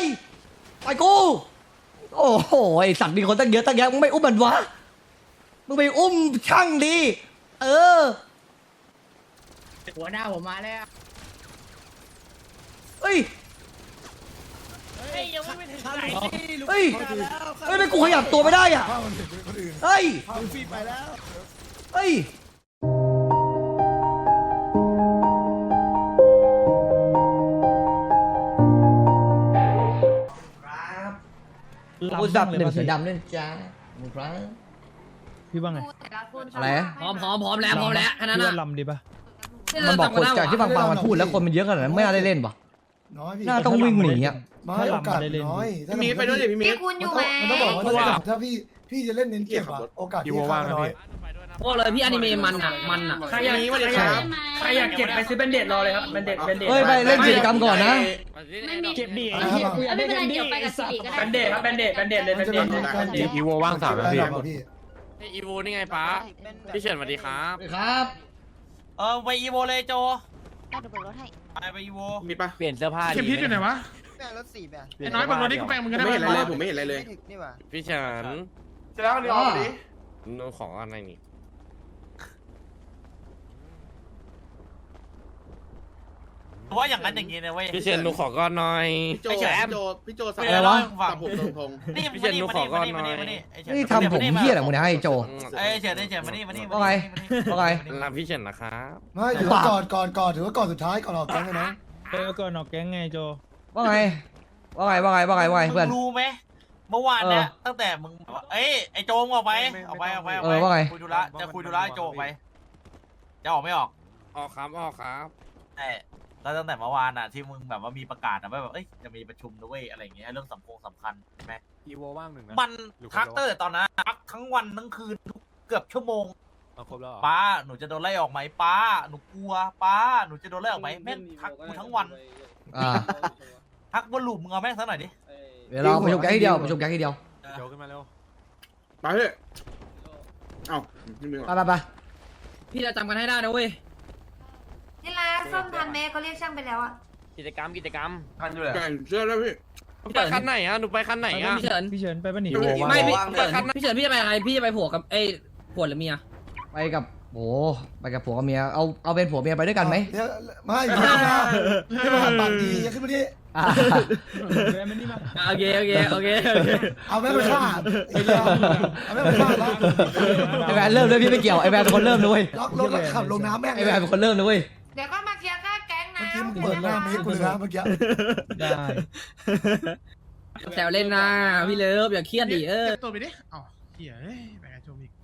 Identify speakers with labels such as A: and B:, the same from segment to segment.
A: ยไปกูโอ้โหไอสัตว์มีคนตั้งเยอะตั้งแยะมึงไม่อุ้มมันวะมึงไปอุ้มช่างดีเออ
B: หัวหน้าผมมาแล้ว
A: เฮ้ย
B: เฮ้ยยังไม่ถึงไหน
A: เฮ้ยเฮ้ยไม่กูขยับตัวไม่ได้อ่ะเฮ้ย
C: ฟีไปแล้ว
A: เฮ้ยครับกูสับหนึ่งเสือดำด้วยจ้าครับ
D: พี่ว่าไง
A: อะไร
B: พร้อมแล้วแค่นั้น
D: พี่
B: น่ะ
D: ว่าลำดีปะ
A: มันบอกคนจากที่ฟังมันพูดแล้วคนมันเยอะขนาดนั้นไม่น่าได้เล่นปะ
C: น้อยพี่
A: น่าต้องวิ่งหนีอ่ะ
C: ไม่โอกาสน้อย
E: มีไปด้วยดิพี่มี
F: พี่คุณอยู่ไหม
C: มันต้องบอกว่าถ้าพี่จะเล่นเน้นเก็บอะโอกาสที่ข้างน้อย
B: พวกเลยพี่อนิเมะมันอ่ะ
E: ใครอยากนี้วันนี้ครับ
B: ใครอยากเก็บไปซื้อเบนเดดรอเลยครับเบนเดด
A: เฮ้ยไปเล่นกิจกรรมก่อนนะ
F: ไม่มี
D: เก็บดี
F: ไม่เป็นไรเดี๋ยวไปกับสิริก็
B: เบ
F: ได้
B: นเดดครับเบนเดดเลยเบนเดด
E: อีโวว่าง3 นาที
C: พี่
E: อีโวนี่ไงป้าพี่เฉินสวัสดีครับ
A: ครับ
B: ไปอีโวเลยโจ
F: ได้เดี๋ยวเปิดรถให้
B: ไปอีโว
E: มีปะ
G: เปลี่ยนเสื้อผ้า
H: เข็มทิศอยู่ไหนวะ
I: แม่รถ4แบบ
H: ไอ้น้อยบางรถนี่กูแปลงมึง
E: ผ
H: ก็
E: ม
H: ได้
E: ไม่เห็นอะไรเลย
H: ปะ
E: ผมไม่เห็นอะไรเลย
I: ไม่ถึงนี่หว่า
E: พี่เฉิน
H: เสร็จแล้วเดี๋ยวเอาดิ
E: หนูขออะไรนี่
B: ว่าอย่างนั้นอย่างนี้นะเว้ย
E: พี่เฉินหนูขอก้อนหน่อย
J: พี่โจ
A: อะไรวะ
J: ตับผมตรง
B: นี่
E: พี่เฉินหนูขอก้อนหน่อย
A: นี่ทำผมเหี้ยอะไรมึงเนี่ยให้โจ
B: เอ้ยเฉินมานี่
A: ว่าไงว่าไง
E: รับพี่เฉินนะครับ
C: ไม่ถือว่าก่อนถือว่าก่อนสุดท้ายก่อนออกแก๊งเลยนะ
D: ก่อนออกแก๊งไงโจ
A: ว่าไงว่าไงว่าไงว่าไงว่าไงเพื่อน
B: รู้ไหมเมื่อวานเนี่ยตั้งแต่มึงเอ้ยไอโจงออกไปคุยธุระจะคุยธุระไอโจออกไปจะออกไม่ออก
E: ออกครับออกครับ
B: ใช่แล้วตั้งแต่เมื่อวานอ่ะที่มึงแบบว่ามีประกาศนะว่าแบบเอ้ยจะมีประชุมนะเว้ยอะไรอย่างเงี้ยเรื่องสำคัญใช่ไหม
G: อีโวว่างหนึ่งนะ
B: มันทักเตอร์ตอนนั้นทักทั้งวันทั้งคืนเกือบชั่วโมง
G: เอาครบแล้วเหรอ
B: ป้าหนูจะโดนไล่ออกไหมป้าหนูกลัวป้าหนูจะโดนไล่ออกไหมแม่งทักกูทั้งวัน
A: อ่า
B: ทักวนลูปมึงเอาแม่งสักหน่อยดิ
A: เดี๋ยวเราประชุมแก๊งทีเดียวประชุมแก๊งทีเดียว
G: โจขึ้นมาเร็ว
J: ไปเฮ้ยเอ้าไม่มี
A: ไปไปไป
B: พี่จะจำกันให้ได้นะเว้ย
F: นี่ละซ่อมทันไหมเขาเรียกช่างไปแล้วอะ
G: กิจกรรม
B: ทันอยู่แหละ
J: แก่เชื่อแล้วพี่
E: ไปคันไหนอ่ะหนูไปคันไหนอ่ะ
B: พี่เฉิน
D: พี่เฉินไปปะหนี
B: ไม่พี่เฉินพี่จะไปอะไรพี่จะไปผัวกับเอ้ผัวหรือเมีย
A: ไปกับโอ้ไปกับผัวกับเมียเอาเป็นผัวเมียไปด้วยกันไหม
C: ไม่ขึ้นมาขึ้นมาปากดีขึ้นมาดิ
A: อ่า
D: มันนี่มา
B: โอเค
C: เอาแม่มาฆ่าเอาแม่มาฆ่าแล้ว
A: ไอแวนเริ่มเลยพี่ไม่เกี่ยวไอแวนเป็นคนเริ่มด้วย
C: ล็อกรถแล้วขับลงน้ำแม่ง
A: ไอแวนเป็นคนเริ่มด้วย
F: เดี๋ยวก็มาเคลียร์ค่าแก๊งนะ
C: เมื่อกี้มึงเปิดหน้าเมฆกูเลยนะเมื่อกี้
D: ได้
B: แซวเล่นนะพี่เลิฟอย่าเครียดดิ
H: เก็บตัวไปดิอ๋อเหี้ยเอ้ยไปกับโจมิก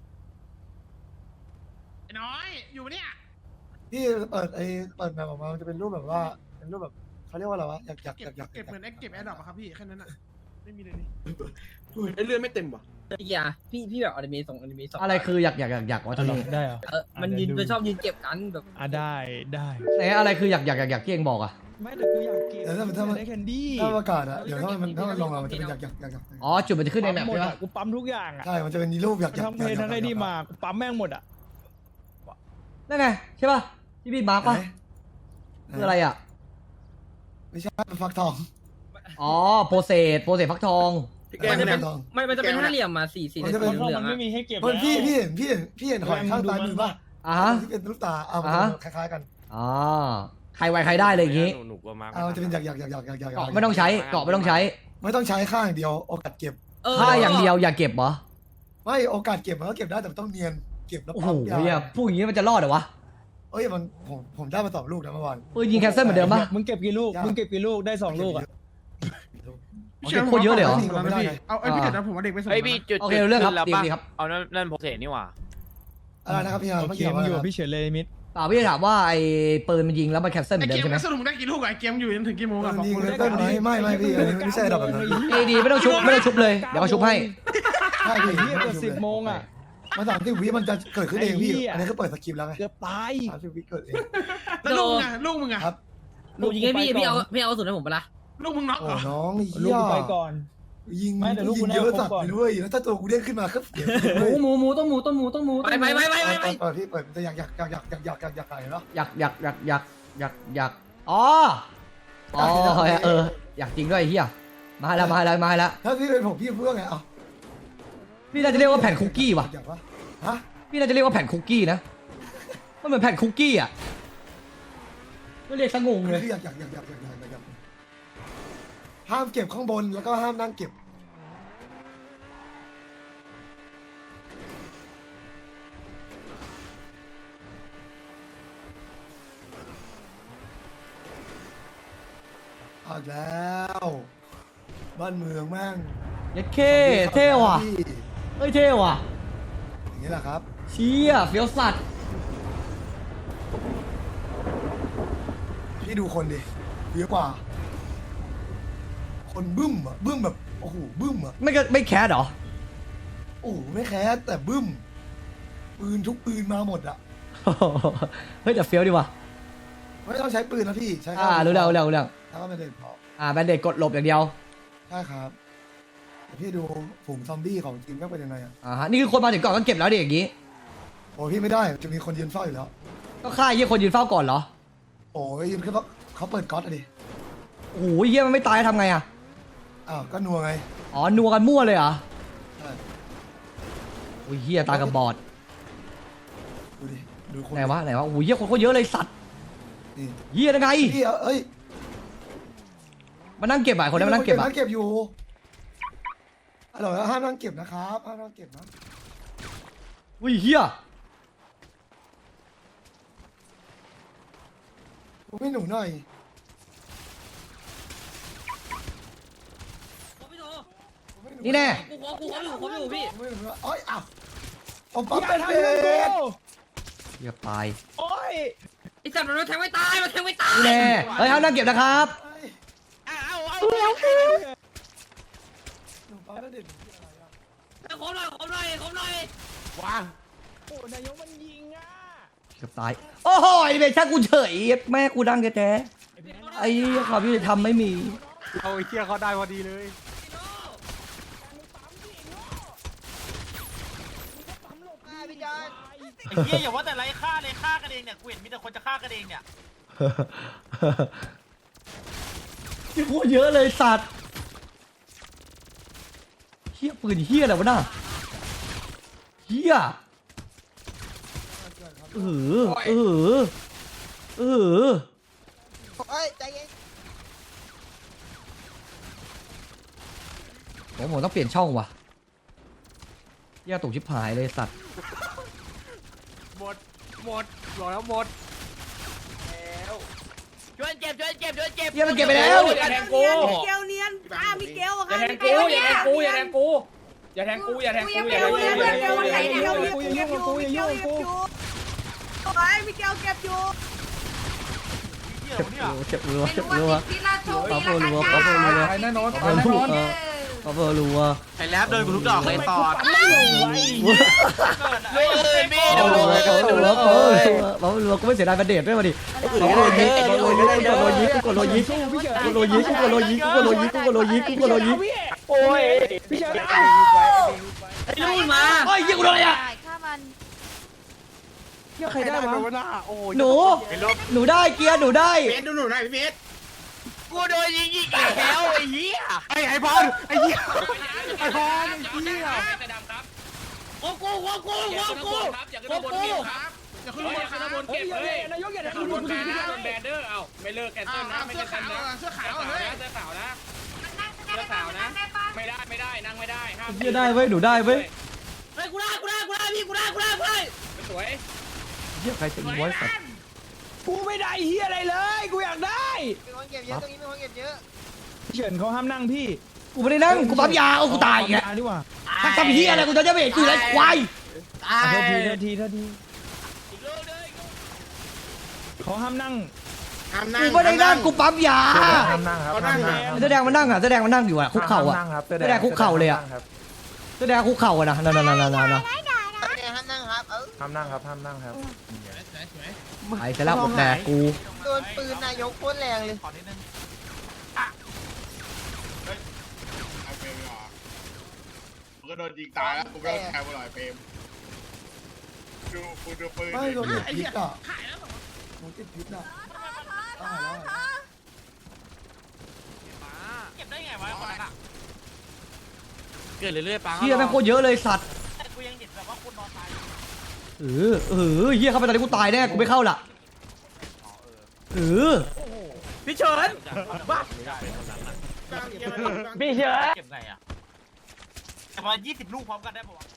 H: ไอ้น้อยอยู่ปะเนี่ย
C: พี่เปิดแบบออกมามันจะเป็นรูปแบบว่าเป็นรูปแบบเขาเรียกว่าอะไรวะอยาก
H: เก็บเหมือนเก็บแอร์ดรอปอะครับพี่แค่นั้นอะไม่มีเลยนี่
J: ไอ้เลือดไม่เต็มว่ะ
B: อย่าพี่แบบอนิเมะส่งอนิเมะส่ง
A: อะไรคืออยากวะตอนนี้
D: ได้เหรอ
B: มันยืนชอบยืนเก็บกันแบบ
D: ได้ได้
A: ไหนอะไรคืออยากที่เองบอกอ่ะ
D: ไม่แต่กูอยากเก็บ
C: แต่ถ้ามัน
D: ได้แคนดี้
C: ถ้าประกาศอะเดี๋ยวถ้ามันลงมามันจะเป็นอยาก
A: อ๋อจุดมันจะขึ้นในแมป
D: หมด
A: ใช่
D: อ่ะ
A: ปะ
D: กูปั๊มทุกอย่างอ่ะ
C: ใช่มันจะเป็นรูปอยาก
D: ทั้งเพลทั้งไอ้นี่มากูปั๊มแม่งหมดอ่ะ
A: นั่นไงใช่ปะที่พี่มาร์กปะคืออะไรอ่ะ
C: ไม่ใช่ฟักทอง
A: อ๋อโปรเซสฟักทอง
J: พี่แกเนี่ย
B: มันจะเป็นห้าเหลี่ยมมาสี่
C: มันจะเป็น
D: เพราะ
B: เหลือ
D: มั
B: ง
D: น
B: ๆ
D: ไม่
B: อะ
D: มีให้เก็บ
C: มันพี่เห็นหอยข้างซ้ายมือป่ะ
A: อ่ะฮะ
C: ที่เป็นลูกตาเอาคล้ายๆกัน
A: อ๋อใครไวใครได้เลยอย่างงี้
E: หนูกลัวมาก
C: เอาจะเป็นอยาก
A: เกาะไม่ต้องใช้เกาะไม่ต้องใช้
C: ไม่ต้องใช้ข้างเดียวโอกาสเก็บ
A: ถ้าอย่างเดียวอย่าเก็บเหรอ
C: ไม่โอกาสเก็บมันก็เก็บได้แต่ต้องเนียนเก็บแล้ว
A: โอ้โห
C: ปั๊ม
A: เนี่ยพูดอย่างงี้มันจะรอดเหรอวะ
C: เอ้ยมันผมได้มา2 ลูกนะเมื่อวาน
A: ปืนยิงแคนเซิลเหมือนเดิมปะ
D: มึงเก็บกี่ลูกมึงเก็บกี่ลูกได้2ลูกอ่ะ
A: เก็บโคตรเยอะเลยเหรอ
H: เอาไอ้พี่เด็ดนะผมว่าเด็กไปส่ง
G: เฮ้ยพี่จุด
A: โอเคเรื่องครับ
G: แล้ว
A: ดี
G: ปะ
A: ดีครับ
G: เอานั่นโปรเซสนี่หว่า
C: อะไรนะครับพี่ฮา
D: โอ
C: เมื่อ
D: เค
C: กี้
D: มึง
C: ว่า
D: อยู่กับพี่เฉินเลยมิด
A: เปล่าพี่จะถามว่าไอ้ปืนมันยิงแล้วมันแคนเซิลเหมื
H: ไอ้
A: อน
H: เก
A: เดิม
H: ม
A: ใช่ไหม
H: สรุปมึงได้กี่ลูกอะไอ้เกมอยู่จนถึงกี่โมงอะบอก
C: ยิง
H: กู
C: เลยต้นไม่พี่อันนี้ไม่ใช่ดอกแบบนั้น
A: เอดีไม่ต้องชุบเลยเดี๋ยวเขาชุบให้
C: ใช่พี่
D: เฮียเกือบ10 โมงอ่ะ
C: มา30 วิมันจะเกิดขึ้นเองพี่อันนี้ก็เปิดสคริปต์แล้วไง
D: เกือบตาย
C: 30 วิเกิดเอง
H: แล้วลูกมึงอะลูกมึงอะ
C: ครับ
B: หนูยิงให้พี่เอาสุดให้ผมไปละ
H: ลูกมึงน็อก
C: โอ้
H: เหรอ
C: น้อง
D: ลูก
C: เหี้ย
D: กูไปก่อน
C: ยิง
D: ไม่แต่ลูก
C: ยิ
D: กู
C: ง
D: น่า
C: เยอะ
D: ครบ
C: สัตว์
D: ก่อน
C: ไปด้วยแล้วถ้าตัวกูเด้งขึ้นมาก็เสีย
B: หมูต้องหมูไป
C: เปิดพี่เปิดจะอยากไก่เนาะ
A: อยากอ๋ออ๋ออยากจริงด้วยไอ้เฮียมาแล้ว
C: ถ้าพี่เป็นผมพี่พูดว่าไงเอา
A: พี่น่าจะเรียกว่าแผ่นคุกกี้ว่ะ
C: อยากวะฮะ
A: พี่น่าจะเรียกว่าแผ่นคุกกี้นะมันเหมือนแผ่นคุกกี้อ่ะก็เรียกสงงเลย
C: พี่อยากห้ามเก็บข้างบนแล้วก็ห้ามนั่งเก็บเอาอีกแล้วบ้านเมืองแม่ง
A: เย็ดเคเท่ว่ะเฮ้ยเท่ว่ะ
C: อย่างนี้แหละครับ
A: เชี่ยเฟี้ยวสัตว์
C: พี่ดูคนดิเยอะกว่า คนบึ้มอ่ะบึ้มแบบโอ้โหบึ้มอ่ะ
A: ไม่แคสเหรอ
C: โอ้โหไม่แคสแต่บึ้มปืนทุกปืนมาหมดอ่ะ
A: เฮ้ยแต่เฟี้ยวดีว่ะ
C: ไม่ต้องใช้ปืนนะพี่ใช้
A: รู้แล้ว
C: แล้วก็ไม่ได้พอ
A: แบนเด็กกดหลบอย่างเดียว
C: ใช่ครับแต่พี่ดูฝูงซอมบี้ของจริงก็เป็นยังไงอ่ะ
A: ฮะนี่คือคนมาถึงก่อนก็เก็บแล้วดิอย่างงี้
C: โอ้พี่ไม่ได้จะมีคนยืนเฝ้าอยู่แล้ว
A: ก็ฆ่าเยี่ยคนยืนเฝ้าก่อนเหรอ
C: โอ้ยยืนขึ้นเพราะเขาเปิดก๊อตอะดิ
A: โอ้โหเยี่ยมันไม่ตายทำไงอ่ะ
C: อ้าวก็นัวไง
A: อ๋อนัวกันมั่วเลยเหรอ
C: ใช่
A: โอ้ยเฮียตากับบอด
C: ดูดิดูคน
A: ไหนวะโอ้โหเฮียคนเขาเยอะเลยสัตว์
C: นี่
A: เฮียยังไง
C: พี่เอ้ย
A: มานั่งเก็บอ่ะคนนั้นมานั่งเก็บอ่ะ
C: นั่งเก็บอยู่อร่อยแล้วห้ามนั่งเก็บนะครับห้ามนั่งเก็บนะ
A: อุ้ยเฮีย
C: ผมให้หนูหน่อยผมให้ห
A: นี่แน่
C: ผมให้หนูหน่อยอ้อยอ้าวผมปั๊ม
D: อย่า
C: เป็น
D: ทำ
C: เบ
D: เพื่อนกู
C: ส
A: เฮียตาย
D: โอ้ย
B: ไอ้สัตว์มันแทงไม่ตายมันแทงไม่ตาย
A: นี่แน่เฮ้ยห้ามนั่งเก็บนะครับ
B: เอา
C: หนูปั๊มแล้วเด็ดอะไรอะ
B: ขอหน่อยว้า
D: โอ้นายกมันยิงอ่ะ
A: เกือบตายโอ้โหไอ้เบช่างกูเฉยแม่กูดังแท้ๆไอ้ความยุติธรรมไม่มี
G: เอาไอ้เชี่ยเขาได้พอดีเลย
B: ไอ้เหี้ยอย่าว่าแต่ไรฆ่าเลยฆ่ากันเองเนี่ยกูเห็นมีแต่คนจะฆ่ากันเองเนี่ย
A: นี่โคตรเยอะเลยสัตว์เฮียปืนเฮียอะไรวะน่ะเฮียเออ
C: ใจเย็น
A: ผมต้องเปลี่ยนช่องว่ะเฮียตกชิบหายเลยสัตว์
E: หมดบอกแล้วหมด
B: ช่วยเก็บ
A: เฮียมันเก็บไปแล้ว
E: อย่าแทงกู
F: เกลเนียนมีเกลอะ
E: อย่า
F: ค่ะ
E: แทงกูอย่าแทงกูอย่าแทงกูอย่าแทงกูอย่าแทงกูอย่าแทงกูอย่าแทงกูอย่าแทงกู
F: มีเกลเก็บอยู่
B: เหี้ยเนี่ย
A: เจ็บรัว
F: ไม่รู้ว่าพี่ราชโชคดีละกัน
A: ไปแน่นอนปะเบอร์รัว
B: ไอ้แรปโดนกูทุกดอกเลยตอด
D: ไม่ไหว
B: เฮ้ยพี่
A: ปะเบอร์รัวกูไม่เสียดายประเด็ดด้วยมาดิกูกดโลยิงกูกดโลยิง
D: พี่เฉิน
A: กูกดโลยิง
D: โอ้ยพี่เฉิน
B: ไอ้ลูกมา
A: เฮ้ยยิงกูโดนอะไรอ่ะ
F: ฆ่ามัน
D: เหี้ยใครได้วะ
A: หนูได้เกียร์หนูได้
J: เบสดูหนูหน่อยพี่เบส
B: กูโดนยิงอีกแล้วไอ้เหี้ย
J: ไอ้บอลไอ้เหี้ย
E: ไอ้พอไอ้เหี้ยแต่ดำครับ
B: โอ้กู
E: อย่าขึ้นครับอย่าขึ้นบนเก็บครับอย่าขึ้นบนเก็บเฮ้ย
D: นายกอย่า
E: อย่า
D: ทำ
E: ขึ้นบ
D: กู
E: น
D: กู
E: แบ
D: ยิ
E: น
D: ง
E: นะ
D: พี่
E: โดนแบนเดอร์เอ้าไม่เลิกแคนเซิลนะไม่ใช่กันนะเสื้อขาวนะเสื้อขาวนะไม่ได้นั่งไม่ได้ห้าม
A: เกียร์ได้เว้ยหนูได้เว้ย
B: เฮ้ยกูได้พี่กูได้
E: ไม่สวย
A: เฮียใครจะอีไว้สัตว์
D: กูไม่ได้เฮียอะไรเลยกูอยากได้
C: มีคนเก็บเยอะตรงนี้มีคนเก็บเยอะ
D: พี่เฉินเขาห้ามนั่งพี่
A: กูไม่ได้นั่งกูปั๊มยาเอากูตายอีก
D: ดีกว่า
A: ถ้าทำเฮียอะไรกูจะเบรกกูเลยควาย
D: โทษทีเขาห้ามนั่ง
J: ห้ามนั่ง
A: กูไม่ได้นั่งกูปั๊มยา
J: เขานั่งครับ
A: แสดงมันนั่งอ่ะแสดงมันนั่งอยู่อ่ะคุกเข่าอ่ะแสดงคุกเข่าเลยอ่ะแสดงคุกเข่าอ่ะนะนั่น
C: ห้ามนั่งครับห้ามนั่งครับ
A: ไอ้เสร็จแล้วผมแดกกู
C: โดนปืนนายกโคตรแรงเลย
B: ขอนิดนึง
J: กูก็โดนยิงตายแล้วกูไม่ต้องแทงกูหน่อยเปรมดูกูดูปืน
C: ไม่โดนพิษอ่ะผมติดพิษอ่ะตายแล้ว
B: วะคนนั้นอ่ะ
E: เกิดเรื่อยๆปัง
A: เฮียแม่งโคตรเยอะเลยสัตว์
B: กูยังเห็นแบบว่าคนนอนตาย
A: เฮียเข้าไปตอนนี้กูตายแน่กูไม่เข้าละ
B: พี่เฉินบ้า
D: พี่เฉิน
B: เก็บไงอ่ะประมาณ20 ลูกพร้อมกันได้ปะวะ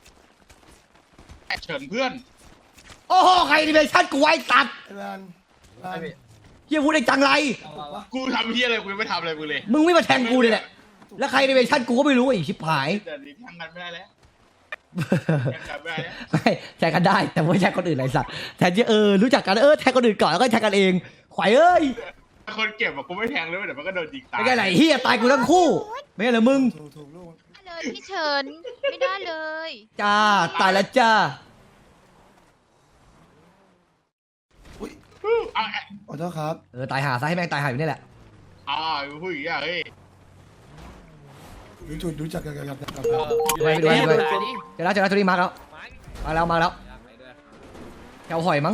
J: เฉินเพื่อน
A: โอ้โหใครดิเมชั่นกูไว้สัตว์
C: ไอ้แวนแวน
A: เฮียพูดได้จังไร
J: กูทำเฮียอะไรกูยังไม่ทำอะไรมึงเลย
A: มึงไม่มาแทงกูเลยแหละแล้วใครดิเมชั่นกูก็ไม่รู้ไอ้ชิบหาย
J: แต่นี้แทงกันไม่ได้แล้วแทงกันไม่ได้แล้ว
A: ไม่แทงกันได้แต่ไม่แทงคนอื่นไรสัตว์แทนที่รู้จักกันแทงคนอื่นก่อนแล้วก็แทงกันเองขวายเอ้ย
J: คนเก็บอะกูไม่แทงเลยเดี๋ยวมันก็โดนยิงตาย
A: ไม่ใช่ไหนเฮียตายกูทั้งคู่ไม่ใช่เหรอมึง
C: ถูกลูก
I: เลยพี่เฉินไม่ได้เลย
A: จ้าตายแล้วจ้า
J: เอา
C: ขอโทษครับ
A: ตายหาซะให้แม่งตายหาอยู่นี่แหละ
J: พูดอย่างเงี้ยเฮ้ย
C: รู้จักกันกับ
A: ไปดูเจอแล้วตัวนี้มาแล้วแถวหอยมั้ง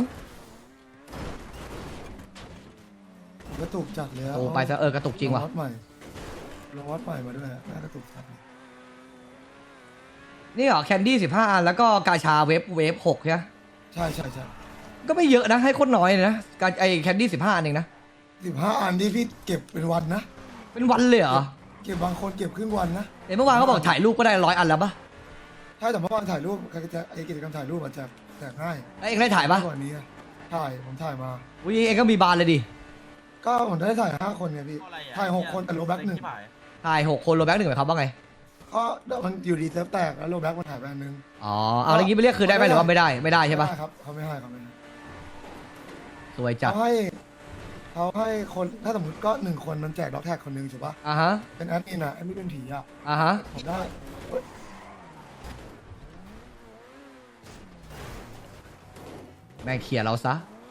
C: กระตุกจัดเลย
A: โอ้ไปซะกระตุกจริงว่ะ
C: วัดใหม่ลงวัดใหม่มาด้วยน่ากระตุกจัด
A: นี่เหรอแคนดี้15 อันแล้วก็กาชาเวฟ6ใช่ไหม
C: ใช่
A: ก็ไม่เยอะนะให้โคตรน้อยเลยนะการไอแคนดี้15 อันเองนะ
C: 15 อันที่พี่เก็บเป็นวันนะ
A: เป็นวันเลยเหรอ
C: เก็บบางคนเก็บครึ่งวันนะ
A: เดี๋ยวเมื่อวานเขาบอกถ่ายรูปก็ได้100 อันแล้วปะ
C: ถ้าแต่เมื่อวานถ่ายรูปไอ้กิจกรรมถ่ายรูปอาจจะแจกง่าย
A: แล้วเองได้ถ่ายปะ
C: กว่านี้ผมถ่ายมา
A: อุ้ยเองก็มีบานเลยดิ
C: ก็ผมได้ถ่าย5 คนไงพี่ถ่าย6 คนแต่โลแบ็กหนึ่ง
A: ถ่าย6 คนโรแบ็ก1หมายความว่าไง
C: ก็มันอยู่ดีเซิร์ฟแตกแล้วโลแบ็กมันถ่ายไปอันนึง
A: อ๋อเอาแล้วงี้ไปเรียกคืนได้ไหมหรือว่าไม่ได้ใช่ปะ
C: ครับเขาไม่ให้
A: สวยจัด
C: เขาให้คนถ้าสมมติก็1 คนมันแจกด็อกแท็กคนนึงถูกปะ
A: อ่ะฮะ
C: เป็นแอดมินแอดมินเป็นผี
A: อ่ะฮะ
C: ผมได้
A: แม่งเขี่ยเราซะ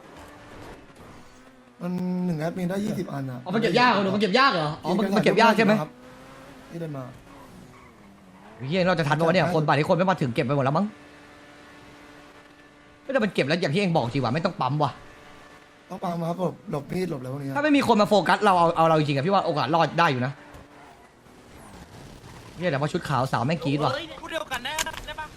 C: มัน1 แอดมินได้20 อันอ่ะ
A: อ๋อมันเก็บยากเหรอมันเก็บยากเหรออ๋อมันเก็บยากใช่ไหม
C: ที่ได้มา
A: เฮียเราจะทันปะวะเนี่ยคนป่านนี้คนไม่มาถึงเก็บไปหมดแล้วมั้งไม่แต่มันเก็บแล้วอย่างที่เองบอกจริงว่ะไม่ต้องปั๊มว่ะ
C: ต้องปังมาครับหลบมีดหลบอะไรพวกนี้
A: ถ้าไม่มีคนมาโฟกัสเราเอาเราจริงๆอะพี่ว่าโอกาสรอดได้อยู่นะเนี่ยแต่ว่าชุดขาวสาวแม่งกรี๊ดว่ะ
B: เฮ้ยพูดเดียวกันได้ปะ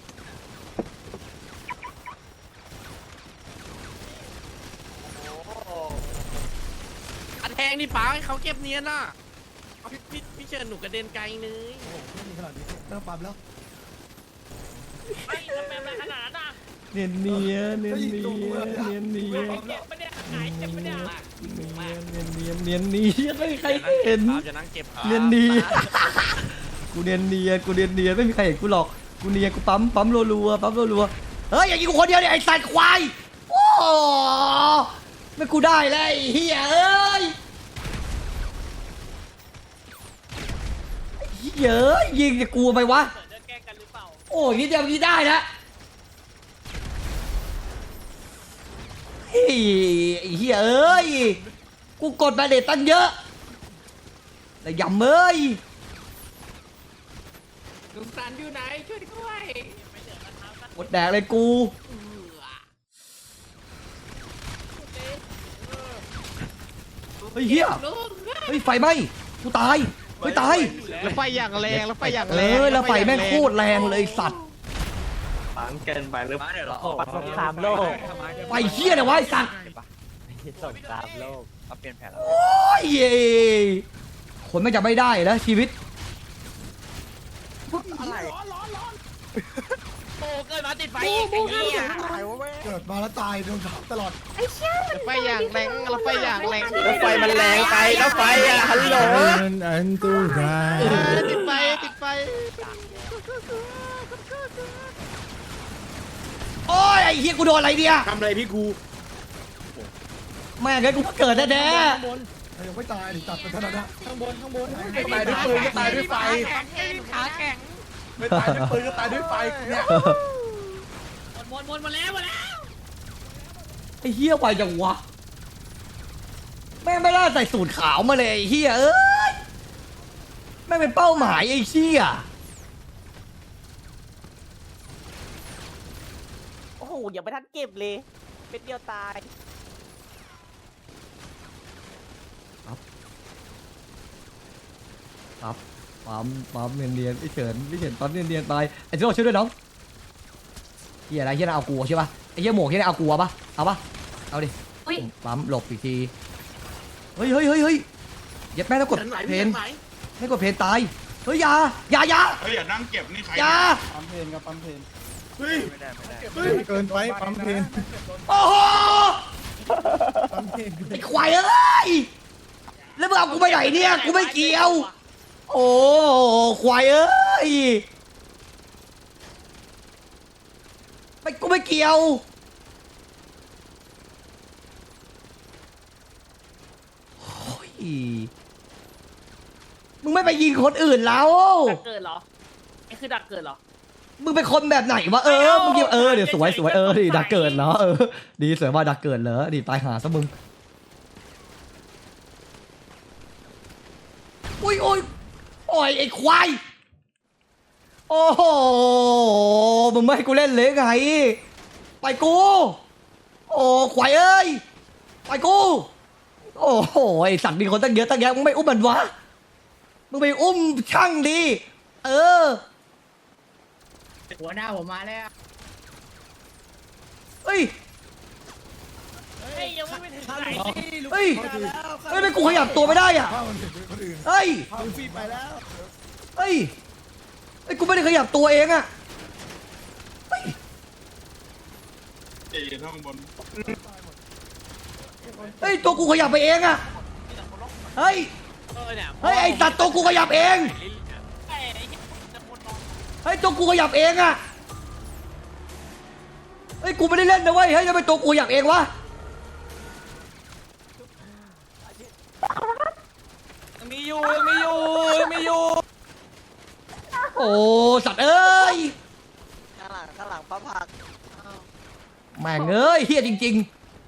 E: อันแทงนี่ปังให้เขาเก็บเนียนน่ะเอาพี่เชิญหนูกระเด็นไกลเลย
C: ไม่มีขนาดนี้เริ่มปั๊มแล้ว
E: ไม่ทำไมมันขนาดนั้นอ่ะ
A: เนียนเนียเนียนเนียเนีย
E: เก็บปะเนี่ยหายเก็บปะเนี่ย
A: เนียนเนียไม่มีใครเห็น
E: ครับจะนั่งเก็บครับ
A: เนียนเนียกูเนียนเนียไม่มีใครเห็นกูหรอกกูเนียกูปั๊มรัวเฮ้ยอย่างนี้กูคนเดียวเนี่ยไอ้สัตว์ควายโอ้ไม่กูได้เลยไอ้เฮียเอ้ยเยอะยิงจะกลัวไปวะ
E: จะแกล้งกันหรือเปล่า
A: โอ้ยนิดเดียวนี้ได้นะเฮ้ยไอ้เฮียเอ้ยกูกดมาเด็ดตั้งเยอะแต่ยำเอ้ย
E: ลุงสันอยู่ไหนช่วยด้วย
A: หมดแดกเลยกูเฮ้ยเฮียเฮ้ยไฟไหม้กูตายเฮ้ยตาย
E: แล้วไฟอย่างแรงแล้วไฟอย่างแรง
A: แล้วไฟแม่งโคตรแรงเลยสัตว์
D: สงครามโลก
A: ไฟเฮียเนี่ยวะไอ้สัตว์
D: สงครามโลกเขาเปลี่ยนแผนแล้ว
A: โอ้ยคนไม่จะไม่ได้นะชีวิต
E: โอ้เกิดมาติดไฟอีกไอ้เหี้ย
C: เกิดมาแล้วตายโดนทับตลอด
E: แล้วไฟอย่างแรงแล้วไฟอย่างแรง
D: แล้วไฟมันแรงไปแล้วไฟอ่ะฮัลโหลอันตราย
E: ติดไฟติดไฟ
A: โอ้ยไอ้เฮียกูโดนอะไรเนี่ย
G: ทำอะไรพี่กู
A: แม่งไงกูเกิดแน่
C: ยังไม่ตายตัดไปเท่านั้นนะ
G: ตายด้วยปืนก็ตายด้วยไฟ
E: ขาแข็ง
G: ไม่ตายด้วยปืนก็ตายด้วยไฟเนี่ย
A: ๆ
E: หมดแล้ว
A: ไอ้เฮียไวจังวะแม่งไม่ได้ใส่สูตรขาวมาเลยไอ้เฮียเอ้ยแม่งเป็นเป้าหมายไอ้เฮีย
K: โอ้โหยังไม่ทันเก็บเลย เป็นเดียวตาย
A: ปั๊มเนียนๆพี่เฉินปั๊มเนียนๆไปไอ้ที่เราช่วยด้วยน้องเฮียอะไรเฮียน่าเอากลัวใช่ปะไอ้เฮียหมวกเฮียน่าเอากลัวปะเอาปะเอาดิปั๊มหลบอีกทีเฮ้ยยัดแม่ต้องกดเพนไม่กดเพนตายเฮ้ยอย่า
J: เฮ้ยอย่านั่งเก็บนี่ใคร
A: อย่า
G: ปั๊มเพนกับปั๊มเพน
J: เฮ้ย
D: เกินไปปั๊มเพน
A: โอ้โห
D: ปั๊มเพน
A: ไอ้ควายเอ้ยแล้วมึงเอากูไปไหนเนี่ยกูไม่เกี่ยวโอ้ควายเอ้ยกูไม่เกี่ยวโอ้ยมึงไม่ไปยิงคนอื่นแล้ว
K: ดักเกิดเหรอนี่คือดักเกิดเหรอ
A: มึงเป็นคนแบบไหนวะมึงยิงเดี๋ยวสวยดิดักเกิดเหรอดีสวยว่าดักเกิดเหรอดีตายหาซะมึงอุ้ยไอ้ควายโอ้โหมึงไม่ให้กูเล่นเลยไงไปกูโอ้ควายเอ้ยไปกูโอ้โหไอ้สัตว์มีคนตั้งเยอะตั้งแยะมึงไม่อุ้มมันวะมึงไปอุ้มช่างดี
K: หัวหน้าผมมาแล้ว
A: เฮ้ย
K: ยังไม่ถึงไหน
A: เฮ้ยไม่กูขยับตัวไม่ได้อ่ะเฮ้ย
G: ฟีไปแล้ว
A: เฮ้ยกูไม่ได้ขยับตัวเองอ่ะเฮ้ย
J: เอ๋ข้างบน
A: เฮ้ยตัวกูขยับไปเองอ่ะเฮ้ยไอ้สัตว์ตัวกูขยับเองเฮ้ยตัวกูขยับเองอ่ะเฮ้ยกูไม่ได้เล่นนะเว้ยเฮ้ยทำไมตัวกูขยับเองวะ
B: มีอยู่
A: โอ้สัตว์เอ้ย
K: ข้างหลังพระผัก
A: แม่งเอ้ยเฮียจริง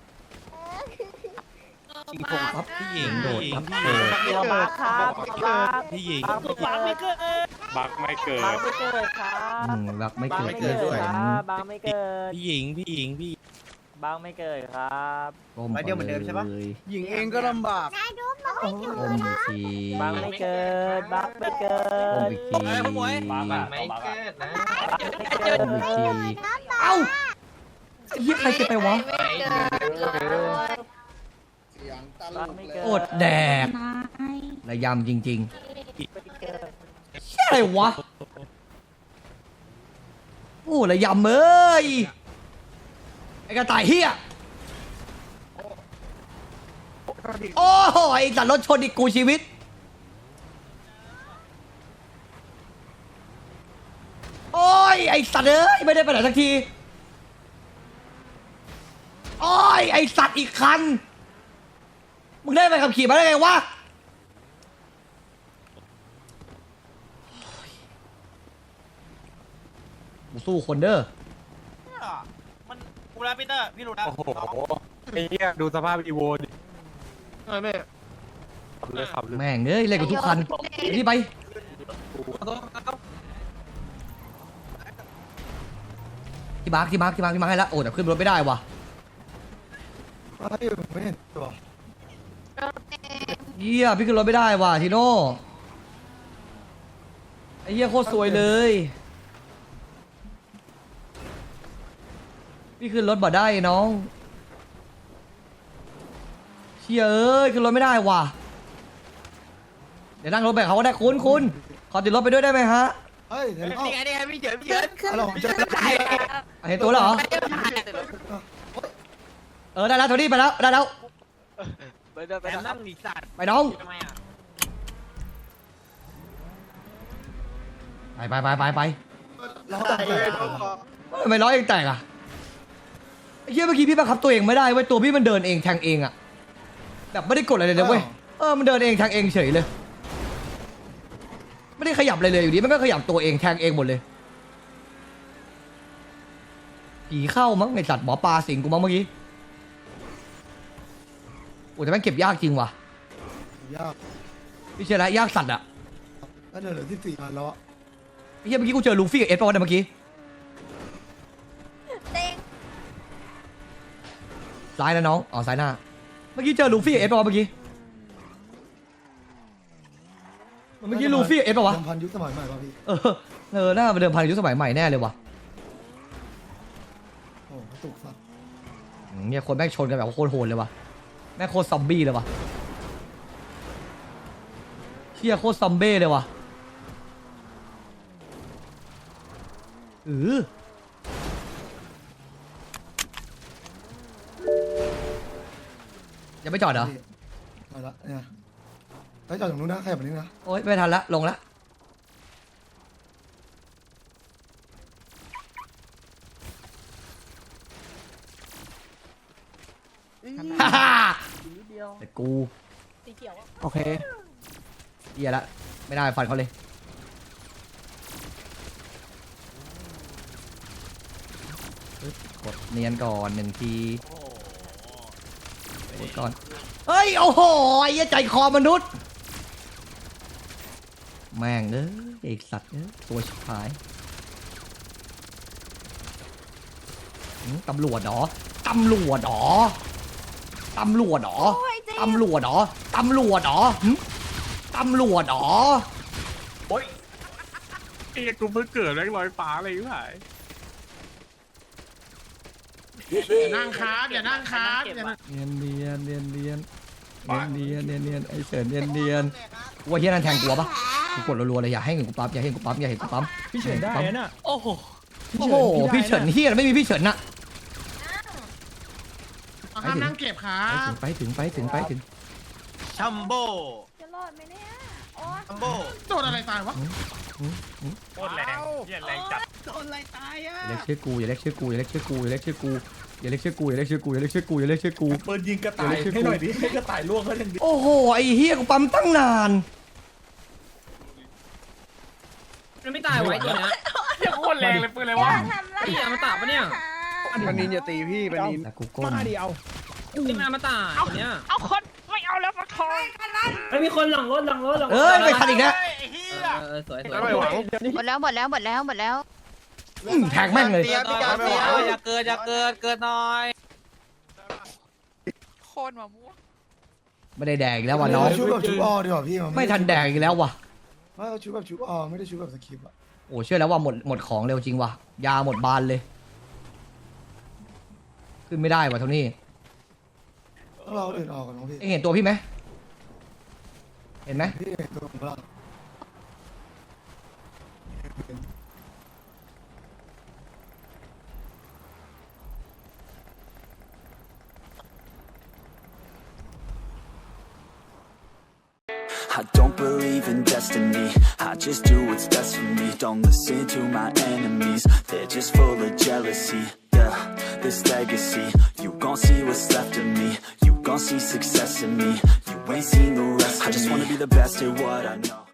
A: ครับพี่หญิงโดดครับ
K: ตัวบักครับ
D: พี่หญิง
K: บักไม่เกิด
D: บักไม่เกิด
K: บักไม่เกิดครับ
A: รักไม่
K: บัก
A: เกิด
K: ไม่
A: เล
K: เกิ
A: ย
K: ด
A: ด้วย
K: ครับบักไม่เกิด
D: พี่หญิงพี่
K: บักไม่เกิดครับ
A: ไปเดียวเหมือนเดิมใช่ปะ
G: หญิงเองก็ลำบาก
A: โอ้อีกที
K: บักไม่เกิดบักไม่เกิด
A: อีกที
K: ไม่เกิดนะ
A: อีกทีเอ้าไอ้เหี้ยใครจะไปวะ
K: บักไม่เกิด
A: อดแดกระยำจริงๆเชี่ยอะไรวะโอ้ระยำเอ้ยไอ้กระต่ายเหี้ยโอ้ยสัตว์รถชนอีกกูชีวิตโอ้ยไอ้สัตว์เอ้ยไม่ได้ไปไหนสักทีโอ้ยไอ้สัตว์อีกคันมึงได้ไปขับขี่มาได้ไงวะกูสู้คนเด้อ
B: มันกูแล้วพีเตอร์พี่รู้นะ
D: โอ้โหไอ้เหี้ยดูสภาพอีโวดิ
G: ไม่
D: เลยขับเลย
A: แม่งเอ้ยเล่นกับทุกคันไปที่ไปที่มาร์คให้แล้วโอ้แต่ขึ้นรถไม่ได้ว่ะ
C: ไม่เห็นตัว
A: เหี้ยพี่ขึ้นรถไม่ได้ว่ะทีโน่ไอ้เหี้ยโคตรสวยเลยพี่ขึ้นรถบ่ได้น้องเชี่ยเอ้ยขึ้นรถไม่ได้ว่ะเดี๋ยวนั่งรถไปเขาก็ได้คุณขอติดรถไปด้วยได้ไหมฮะ
C: เฮ้ยเดี๋ยวเอา
K: นี่ไงพี่เฉิน
C: เราผมจะ
A: เห็นตัวแล้วเหรอได้แล้วโทนี่ไปแล้วได้แล้ว
K: ไปนั่งดีสัตว์
A: ไปน้อง
K: ทำไมอ่ะ
A: ไป
C: เราแต่งเลย
A: ทำไมล้อเองแตกอ่ะไอ้เหี้ยเมื่อกี้พี่บังคับตัวเองไม่ได้เว้ยตัวพี่มันเดินเองแทงเองอ่ะแบบไม่ได้กดอะไรเลยนะเว้ยมันเดินเองแทงเองเฉยเลยไม่ได้ขยับอะไรเลยอยู่ดีมันก็ขยับตัวเองแทงเองหมดเลยผีเข้ามั้งไอสัตว์หมอปลาสิงกูมั้งเมื่อกี้โอ้แต่แม่งเก็บยากจริงว่ะ
C: ยาก
A: พี่เชื่อแล้วยากสัตว์อ่ะ
C: ก็เหลือที่4 อันแล้วอะ
A: ไอ้เหี้ยเมื่อกี้กูเจอลูฟี่กับเอสป่าวะเนี่ยเมื่อกี้ซ้ายนะน้องอ๋อซ้ายหน้าเมื่อกี้เจอลูฟี่กับเอสป่าวะเมื่อกี้เมื่อกี้ลูฟี่เอสป่าวะ
C: เดิมพันยุคสมัยใหม่ป่ะพี่
A: น่ามาเดิมพันยุคสมัยใหม่แน่เลยว่ะ
C: โอ้กระตุกสัตว์
A: เนี่ยคนแม่งชนกันแบบโคตรโหดเลยว่ะแม่งโคตรซอมบี้เลยว่ะเชี่ยโคตรซอมเบ้เลยว่ะยังไม่จอดเหรอ
C: มาละเนี่ยไปจอดตรงนู้นนะขยับไปนี้นะ
A: โอ๊ยไม่ทันละลงละฮ่าฮ่าแต่กู
G: โอเค
A: เหี้ยละไม่ได้ฟันเขาเลยปึ๊บกดเนียนก่อนหนึ่งทีกดก่อนเฮ้ยโอ้โหไอ้เหี้ยใจคอมนุษย์แม่งเอ้ยไอ้สัตว์เอ้ยตัวชิบหายตำรวจเหรอตำรวจเหรอตำรวจเหรอตำรวจเหรอตำรวจเหรอตำรวจเหรอ
E: ไอ้กูเพิ่งเกิดแม่งลอยฟ้าเลยพี่ผาย
H: อย่านั่งครับอย่านั่งครับอย่านั่ง
A: เนียนไอ้เฉินเนียนว่าเฮียนั่นแทงกูปะกูกดรัวๆเลยอย่าให้เห็นกูปั๊มอย่าให้เห็นกูปั๊มอย่าให้เห็นกูปั๊ม
D: พี่เฉินได้น่ะ
E: โอ้โห
A: โอ้โหพี่เฉินเฮียไม่มีพี่เฉินน่ะ
H: เอาห้ามนั่งเก็บครับ
A: ไปถึง
B: ชัมโบ้
F: จะรอดไหมเนี่ยโอ้
B: ชัมโบ้
H: โดนอะไรตายวะ
E: โคตรแรงเหี้ยแรงจัด
H: โดนอะไรตายอ่ะ
A: อย่าเรียกชื่อกูอย่าเรียกชื่อกูอย่าเรียกชื่อกูอย่าเรียกชื่อกูอย่าเรียกชื่อกูอย่าเรียกชื่อกูอย่าเรียกชื่อกูอย่าเรียกชื่อกู
D: ปืนยิงกระต่ายให้หน่อยดิให้กระต่ายล่วงเขาทันที
A: โอ้โหไอ้เฮียกูปั๊มตั้งนาน
E: มันไม่ตายไว้ตัวเนี้ยโคตรแรงเลยปืนเลยวะ
F: ทำไร
E: ไอ้อมตะปะเนี่ย
G: ปนินอย่าตีพี่ปนิน
A: แต่กูก้ม
D: มาดิเอา
E: นี่มันอมตะตัวเนี้ย
I: เอาคนไม่เอาแล้วมาทอง
A: เอ้ยไม่ทันอีกนะ
B: ไอ้เหี้ย
E: สวย
G: ไม่หวัง
I: หมดแล้ว
A: แทงแม่งเลย
B: อย่าเกิดหน่อย
I: โคนมะม่วง
A: ไม่ได้แดกอีกแล้วว่ะน้อง
C: ชุบแบบชุบออดีกว่าพี่
A: ไม่ทันแดกอีกแล้วว่ะ
C: ไม่เอาชุบแบบชุบออไม่ได้ชุบแบบสคริปต์อ่ะ
A: โอ้เชื่อแล้วว่าหมดของเร็วจริงว่ะยาหมดบานเลย ขึ้นไม่ได้ว่ะเท่านี้
C: ต้องรอคนอื่นออกก่อนน้องพี่
A: เอ็งเห็นตัวพี่ไหมเห็นไหม
C: พี่ตัวผมละ
L: I don't believe in destiny, I just do what's best for me. Don't listen to my enemies, they're just full of jealousy. Yeah, this legacy, you gon' see what's left of me. You gon' see success in me, you ain't seen the rest of me. I just wanna be the best at what I know.